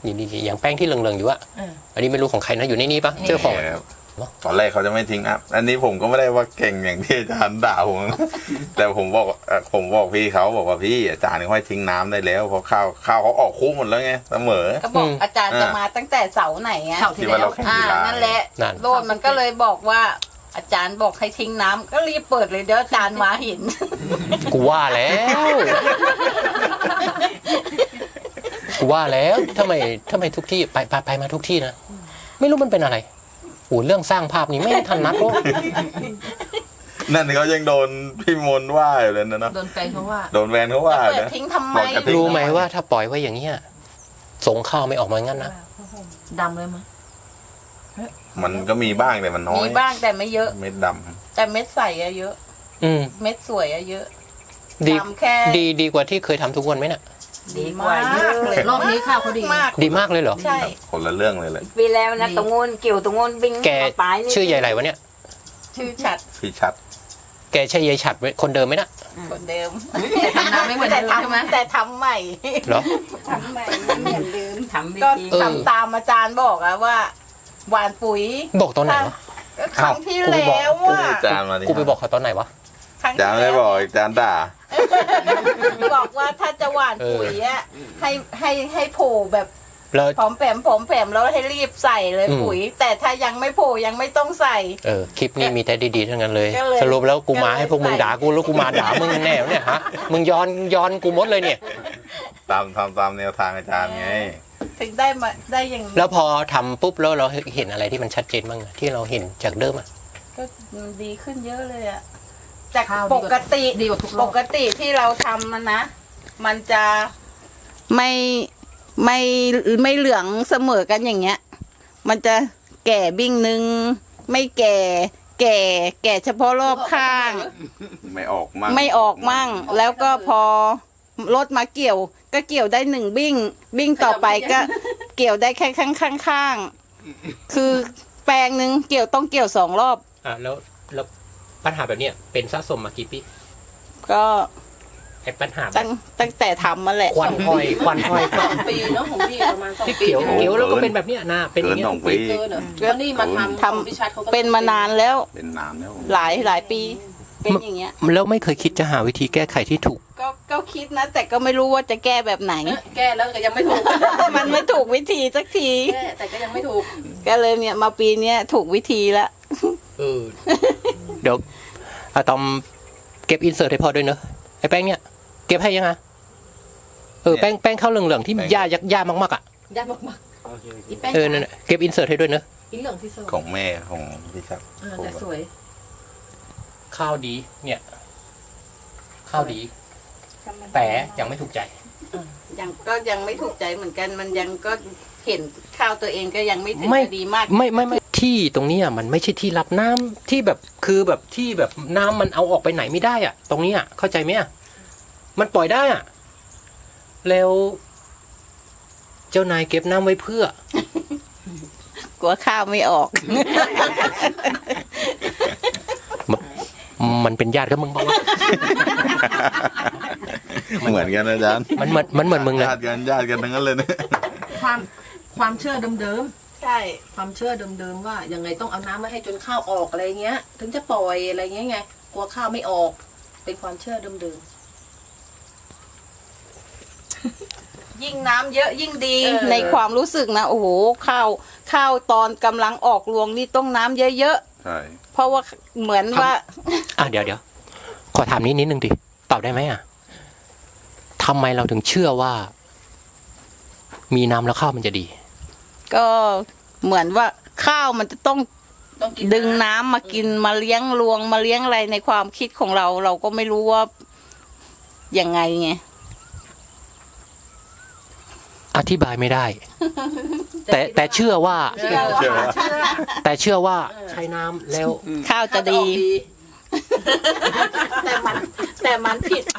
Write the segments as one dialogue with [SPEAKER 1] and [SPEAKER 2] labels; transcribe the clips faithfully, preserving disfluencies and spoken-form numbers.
[SPEAKER 1] นี่นี่อย่างแป้งที่เหลืองๆอยู่อะอันนี้ไม่รู้ของใครนะอยู่ในนี้ปะเจ้าของ
[SPEAKER 2] ตอนแรกเขาจะไม่ทิ้งนะอันนี้ผมก็ไม่ได้ว่าเก่งอย่างที่อาจารย์ด่าผมแต่ผมบอกผมบอกพี่เขาบอกว่าพี่อาจารย์เขาให้ทิ้งน้ำได้แล้วเพราะข้าวข้าวเขาออกคู่หมดแล้วไงเสมอ
[SPEAKER 3] ก็บอกอาจารย์จะมาตั้งแต่เสาไหนไง
[SPEAKER 2] เสาที่แล้วอ่า
[SPEAKER 3] นั่นแหละโลดมันก็เลยบอกว่าอาจารย์บอกให้ทิ้งน้ำก็รีบเปิดเลยเดี๋ยวอาจารย์มาเห็น
[SPEAKER 1] กูว่าแล้วกูว่าแล้วทำไมทำไมทุกที่ไปไปไปมาทุกที่นะไม่รู้มันเป็นอะไรโอ้เรื่องสร้างภาพนี้ไม่ทันนัดหรอก
[SPEAKER 2] นั่นเขายังโดนพี่มนว่าอยู่เลยนะเนาะ
[SPEAKER 3] โดนแฟนเขาว่า
[SPEAKER 2] โดนแฟนเขาว่านะ
[SPEAKER 3] ทิ้งทำไม
[SPEAKER 1] รู้ไหมว่าถ้าปล่อยไว้อย่างเงี้ยสงข้าวไม่ออกมางั้นนะ
[SPEAKER 3] ดำเลยมั้ย
[SPEAKER 2] มันก็มีบ้างแต่มันน้อย
[SPEAKER 3] มีบ้างแต่ไม่เยอะ
[SPEAKER 2] เม็ดดำ
[SPEAKER 3] แต่เม็ดใสอะเยอะ
[SPEAKER 1] อืม
[SPEAKER 3] เม็ดสวยอะเยอะ
[SPEAKER 1] ดีดีดีกว่าที่เคยทำทุกวันไหมน่ะ
[SPEAKER 3] ดีกว่าเยอะเลยรอบนี้ข้าวเขาดีมาก
[SPEAKER 1] ดีมากเลยเหรอ
[SPEAKER 3] ใช่
[SPEAKER 2] คนละเรื่องเลยเลย
[SPEAKER 3] ปีแล้วนะตรงงูนเกี่ยวตรงงูนบิง
[SPEAKER 1] แกชื่อใหญ่ไรวะเนี่ย
[SPEAKER 3] ชื่อชัด
[SPEAKER 2] พี่ชัด
[SPEAKER 1] แกใช่ยายฉัดคนเดิมไหมนะ
[SPEAKER 3] คนเดิมแต่ทำน้ำไม่เหมือนเดิมใช่ไหมแต่ทำใหม่
[SPEAKER 1] เหรอ
[SPEAKER 3] ทำใหม่ไม่เหมือนเดิมทำก็ทำตามอาจารย์บอกอะว่าหวานปุ๋ย
[SPEAKER 1] บอกตอนไหนวะ
[SPEAKER 3] ครั้งที่แล้วว่า
[SPEAKER 2] อาจารย์มา
[SPEAKER 1] กูไปบอกเขาตอนไหนวะ
[SPEAKER 2] อาจารย์ไม่บอกอาจารย์ด่า
[SPEAKER 3] บอกว่าถ้าจะหวานปุ๋ยอะให้ให้ให้โผล่แบบผอมแผมผอมแผมแล้วให้รีบใส่เลยปุ๋ยแต่ถ้ายังไม่โผล่ยังไม่ต้องใส่
[SPEAKER 1] เออคลิปนี้มีแต่ดีๆทั้งนั้นเลยสรุปแล้วกูมาให้พวกมึงด่ากูแล้วกูมาด่ามึงแน่เนี่ยฮะมึงย้อนย้อนกูหมดเลยเนี่ย
[SPEAKER 2] ตามทำตามแนวทางอาจารย์ไง
[SPEAKER 3] ถึงได้มาได้อย่าง
[SPEAKER 1] แล้วพอทำปุ๊บแล้วเราเห็นอะไรที่มันชัดเจนบ้างที่เราเห็นจากเดิมอ่ะ
[SPEAKER 3] ก็ดีขึ้นเยอะเลยอ่ะจากปกติปกติที่เราทำมันนะมันจะไม่ไม่ไม่เหลืองเสมอกันอย่างเงี้ยมันจะแก่บิ้งนึงไม่แก่แก่แก่เฉพาะรอบข้าง
[SPEAKER 2] ไม่ออกมั่ง
[SPEAKER 3] ไม่ออกมั่งแล้วก็พอรถมาเกี่ยวก็เกี่ยวได้หนึ่งบิ้งบิ้งต่อไปก็เกี่ยวได้แค่ข้างข้างข้างคือแปลงหนึ่งเกี่ยวต้องเกี่ยวสองรอบ
[SPEAKER 1] อ่ะแล้วแล้วปัญหาแบบเนี้ยเป็นสะสมมากี่ปี
[SPEAKER 3] ก็
[SPEAKER 1] ไอ้ปัญหา
[SPEAKER 3] ตั้งตั้งแต่ทำมาแหละ
[SPEAKER 1] ควันห้อยควันห้อย
[SPEAKER 4] สองปีเนาะของพี่ประมาณสอง
[SPEAKER 1] ปีที่เกี่ยวเกี่ยวแล้วก็เป็นแบบเนี้ยนะเป็นอย่างเงี้ย
[SPEAKER 4] เกินเหรอแล้วนี่มาทำ
[SPEAKER 3] ทำเป็นมานานแล้ว
[SPEAKER 2] เป็นนานแล้ว
[SPEAKER 3] หลายหลายปีเป็นอย่างเงี้ย
[SPEAKER 1] แล้วไม่เคยคิดจะหาวิธีแก้ไขที่ถูก
[SPEAKER 3] ก็ก็คิดนะแต่ก็ไม่รู้ว่าจะแก้แบบไหน
[SPEAKER 4] แก้แล้วก็ยังไม่ถูก
[SPEAKER 3] มันไม่ถูกวิธีสักที
[SPEAKER 4] แก้แต่ก็ยังไม่ถูก
[SPEAKER 3] ก็เลยเนี่ยมาปีเนี้ยถูกวิธีละ
[SPEAKER 1] เออเดี๋ยวอะตอมเก็บอินเสิร์ตให้พอด้วยเนอะไอ้แป้งเนี่ยเก็บให้ยังไงเออแป้งแป้งข้าวเหลืองๆที่ยากยากมากๆอ่ะ
[SPEAKER 4] ยากมาก
[SPEAKER 1] ๆเออนั่นเก็บอินเสิร์ตให้ด้วยเนอะ
[SPEAKER 4] อินเหลืองที่สุด
[SPEAKER 2] ของแม่ของพี่ชัก
[SPEAKER 4] แต่สวย
[SPEAKER 1] ข้าวดีเนี่ยข้าวดีแต่ยังไม่ถูกใจ
[SPEAKER 3] ยังก็ยังไม่ถูกใจเหมือนกันมันยังก็เห็นข้าวตัวเองก็ยังไม่ถึงดีมาก
[SPEAKER 1] ไม่ไม่ไม่ที่ตรงนี้อ่ะมันไม่ใช่ที่รับน้ำที่แบบคือแบบที่แบบน้ำมันเอาออกไปไหนไม่ได้อ่ะตรงนี้อ่ะเข้าใจไหมอ่ะมันปล่อยได้อ่ะแล้วเจ้านายเก็บน้ำไว้เพื่
[SPEAKER 3] อกลัวข้าวไม่ออก
[SPEAKER 1] มันเป็นญาติกับมึงบอกว่า
[SPEAKER 2] เหมือนกันนะอาจารย์
[SPEAKER 1] มันเหมือนมันเหมือนมึงเลย
[SPEAKER 2] ญาติกันญาติกันทั้งนั้นเลยเนี่ย
[SPEAKER 4] ความความเชื่อเดิม
[SPEAKER 3] ๆใช่
[SPEAKER 4] ความเชื่อเดิมๆว่ายังไงต้องเอาน้ำมาให้จนข้าวออกอะไรเงี้ยถึงจะปล่อยอะไรเงี้ยไงกลัวข้าวไม่ออกเป็นความเชื่อเดิม
[SPEAKER 3] ๆยิ่งน้ำเยอะยิ่งดีในความรู้สึกนะโอ้โหข้าวข้าวตอนกำลังออกรวงนี่ต้องน้ำเยอะ
[SPEAKER 2] ๆใช่
[SPEAKER 3] เพราะว่าเหมือนว่า
[SPEAKER 1] อ่ะเดี๋ยวเดี๋ยวขอถามนิดนิดนึงดิตอบได้ไหมอ่ะทำไมเราถึงเชื่อว่ามีน้ำแล้วข้าวมันจะดี
[SPEAKER 3] ก็เหมือนว่าข้าวมันจะต้องดึงน้ำมากินมาเลี้ยงรวงมาเลี้ยงอะไรในความคิดของเราเราก็ไม่รู้ว่ายังไงไง
[SPEAKER 1] อธิบายไม่ได้แต่แต่เชื่อว่าแต่เชื่อว่าใช้น้ำแล้ว
[SPEAKER 3] ข้าวจะดีแต่มันแต่มันผิด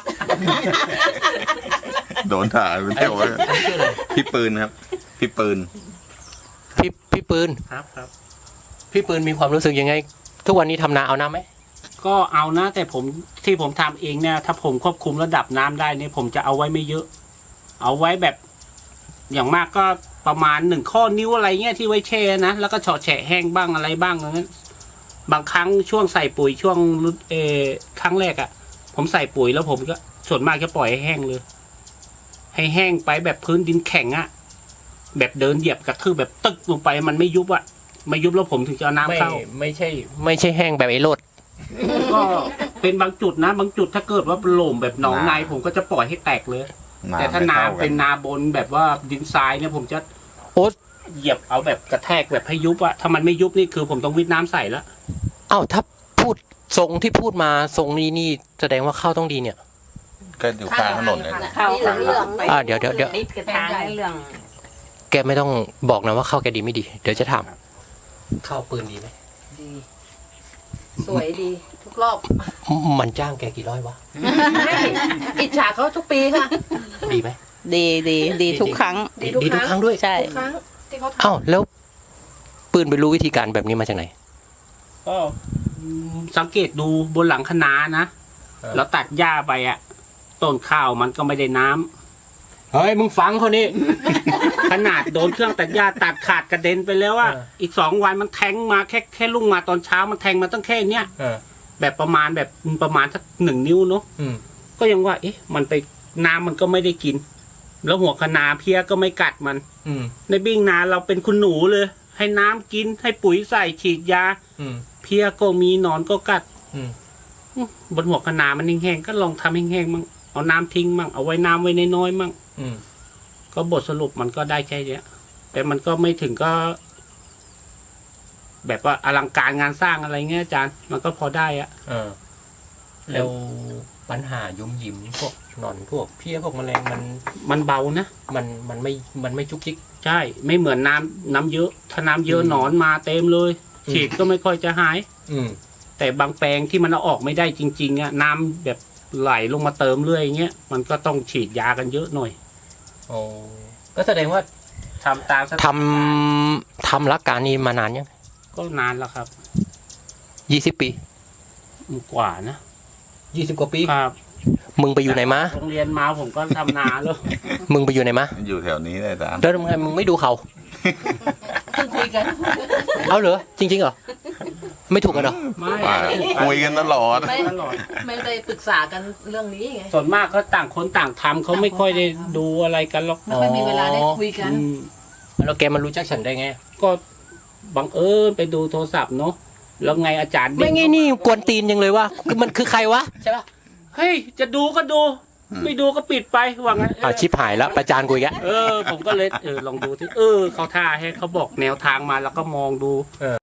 [SPEAKER 2] โดนถ่ายไปเที่ยวพี่ปืนครับพี่ปืน
[SPEAKER 1] พี่พี่ปืนครับครับพี่ปืนมีความรู้สึกยังไงทุกวันนี้ทำนาเอาน้ำไหม
[SPEAKER 5] ก็เอานะแต่ผมที่ผมทำเองเนี่ยถ้าผมควบคุมระดับน้ำได้เนี่ยผมจะเอาไว้ไม่เยอะเอาไว้แบบอย่างมากก็ประมาณหนึ่งข้อนิ้วอะไรเงี้ยที่ไว้แช่นะแล้วก็เฉาะแฉะแห้งบ้างอะไรบ้างอย่างนั้นบางครั้งช่วงใส่ปุ๋ยช่วงเออครั้งแรกอะ่ะ ผมใส่ปุ๋ยแล้วผมก็ส่วนมากจะปล่อยให้แห้งเลย ให้แห้งไปแบบพื้นดินแข็งอะ่ะแบบเดินเหยียบกระทืบแบบตึกลงไปมันไม่ยุบอะ่ะไม่ยุบแล้วผมถึงจะเอาน้ำ
[SPEAKER 1] ไม่
[SPEAKER 5] เข้า
[SPEAKER 1] ไม่ใช่ ไม่ใช่แห้งแบบไอ้โรด
[SPEAKER 5] ก็เป็นบางจุดนะ บางจุดถ้าเกิดว่าโหล่มแบบหนองใน
[SPEAKER 2] น้ำ
[SPEAKER 5] ผมก็จะปล่อยให้แตกเลย แต่ถ้า
[SPEAKER 2] ไม่
[SPEAKER 5] นา
[SPEAKER 2] ท่กั
[SPEAKER 5] เป็นนาบนแบบว่าดินทรายเนี่ยผมจะ
[SPEAKER 1] โอ๊ต
[SPEAKER 5] เหยียบเอาแบบกระแทกแบบให้ยุบอะถ้ามันไม่ยุบนี่คือผมต้องวิทน้ำใส่แล้ว
[SPEAKER 1] เอ้าถ้าพูดทรงที่พูดมาทรงนี้นี่แสดงว่าข้าวต้องดีเนี่ย
[SPEAKER 2] ก็อยู่กลางถนนเลยนะ
[SPEAKER 3] ข้าวเหลือง
[SPEAKER 1] อ่าเดี๋ยวเดี๋ยวเดี๋ยว
[SPEAKER 3] ติดกระทางเหลือง
[SPEAKER 1] แกไม่ต้องบอกนะว่าข้าวแกดีไม่ดี เดี๋ยวจะถามข้าวปืนดีไหม
[SPEAKER 4] ดีสวยดีทุกรอบ
[SPEAKER 1] มันจ้างแกกี่ร้อยวะ
[SPEAKER 4] อิจฉาเขาทุกปีค่ะ
[SPEAKER 1] ดีไหม
[SPEAKER 3] ดีดีดีทุกครั้ง
[SPEAKER 1] ดีดีทุกครั้งด้วย
[SPEAKER 3] ใช่
[SPEAKER 4] ทุกครั้งที่เขาท
[SPEAKER 1] เอ้าแล้วปืนไปรู้วิธีการแบบนี้มาจากไหน
[SPEAKER 5] ก็อืมสังเกตดูบนหลังคะนานะ
[SPEAKER 1] เออ
[SPEAKER 5] แล้วตัดหญ้าไปอะต้นข้าวมันก็ไม่ได้น้ำ
[SPEAKER 1] เฮ้ยมึงฟังเขานี่
[SPEAKER 5] ขนาดโดนเครื่องตัดหญ้าตัดขาดกระเด็นไปแล้วอะ
[SPEAKER 1] เออ
[SPEAKER 5] อีกสองวันมันแทงมาแค่แค่ลุ่งมาตอนเช้ามันแทงมาตั้งแค่เนี้ย
[SPEAKER 1] เออ
[SPEAKER 5] แบบประมาณแบบประมาณสักหนึ่งนิ้วเนาะ
[SPEAKER 1] อืม
[SPEAKER 5] ก็ยังว่า เอ๊ะ มันไปน้ำมันก็ไม่ได้กิน แล้วหัวคะนาเพี้ยก็ไม่กัดมัน
[SPEAKER 1] อืม
[SPEAKER 5] ในบิ้งนาเราเป็นคุณหนูเลย ให้น้ำกินให้ปุ๋ยใส่ฉีดยา
[SPEAKER 1] อืม
[SPEAKER 5] เพี้ยก็มีหนอนก็กัด
[SPEAKER 1] อืม
[SPEAKER 5] อื้อบนหัวคะนามันแห้งๆก็ลองทำแห้งๆมั่งเอาน้ำทิ้งมั่งเอาไว้น้ำไว้น้อยๆมั่ง
[SPEAKER 1] อืม
[SPEAKER 5] ก็บทสรุปมันก็ได้แค่เนี้ย แต่มันก็ไม่ถึงก็ แบบว่าอลังการงานสร้างอะไรเงี้ยอาจารย์ มันก็พอได้อะ
[SPEAKER 1] เออแล้วปัญหายุ่มยิ้มพวกหนอนพวกเพี้ยพวกแมลงมัน
[SPEAKER 5] มันเบานะ
[SPEAKER 1] มันมันไม่มันไม่จุกจิก
[SPEAKER 5] ใช่ ไม่เหมือนน้ำน้ำเยอะ ถ้าน้ำเยอะ
[SPEAKER 1] อืม
[SPEAKER 5] หนอนมาเต็มเลย
[SPEAKER 1] อืม
[SPEAKER 5] ฉีดก็ไม่ค่อยจะหาย
[SPEAKER 1] อืม
[SPEAKER 5] แต่บางแปลงที่มันเอาออกไม่ได้จริงๆอะน้ำแบบไหลลงมาเติมเรื่อยอย่างเงี้ยมันก็ต้องฉีดยากันเยอะหน่อย
[SPEAKER 1] โอ้ก็แสดงว่า
[SPEAKER 5] ทำตามสถาน
[SPEAKER 1] ทำ
[SPEAKER 5] การณ์
[SPEAKER 1] ทำรักการนี้มานานยัง
[SPEAKER 5] ก็นานแล้วครับ
[SPEAKER 1] ยี่สิบปี
[SPEAKER 5] กว่านะ
[SPEAKER 1] ยี่สิบกว่าปี
[SPEAKER 5] ครับ
[SPEAKER 1] มึงไปอยู่ไหนมา
[SPEAKER 5] โรงเรียนมาผมก็ทำนาแล้ว
[SPEAKER 1] มึงไปอยู่ไหนมา
[SPEAKER 2] อยู่แถวนี้เลยอาจารย์
[SPEAKER 1] แล้วทำไมมึงไม่ดูเขา
[SPEAKER 4] ำเพิ่งคุยกัน
[SPEAKER 1] เอาเหรอจริงๆเหรอไม่ถูกกันเหรอ
[SPEAKER 5] ไม่
[SPEAKER 2] ว่าคุยกันตลอด
[SPEAKER 4] ไม่
[SPEAKER 5] ตลอด
[SPEAKER 4] ไม่ได้ปรึกษากันเรื่องนี้ไง
[SPEAKER 5] ส่วนมากเขาต่างคนต่างทำเขาไม่ค่อยได้ดูอะไรกันหรอก
[SPEAKER 4] ไม่ค่อยมีเวลาได้คุยกัน
[SPEAKER 5] อืม
[SPEAKER 1] แล้วแกมารู้จักฉันได้ไง
[SPEAKER 5] ก็บังเอิญไปดูโทรศัพท์เนาะแล้วไงอาจารย์เด้
[SPEAKER 1] ไม่ไงนี่กวนตีนยังเลยว่ามันคือใครวะใช่ปะ
[SPEAKER 5] เฮ้ยจะดูก็ดู ไม่ดูก็ปิดไปว่างั้น
[SPEAKER 1] อ่าชิบหายแล้วประจานกูอีกแล้ว
[SPEAKER 5] เออ ผมก็เลยเออลองดูที่เออเขาท่าให้เขาบอกแนวทางมาแล้วก็มองดู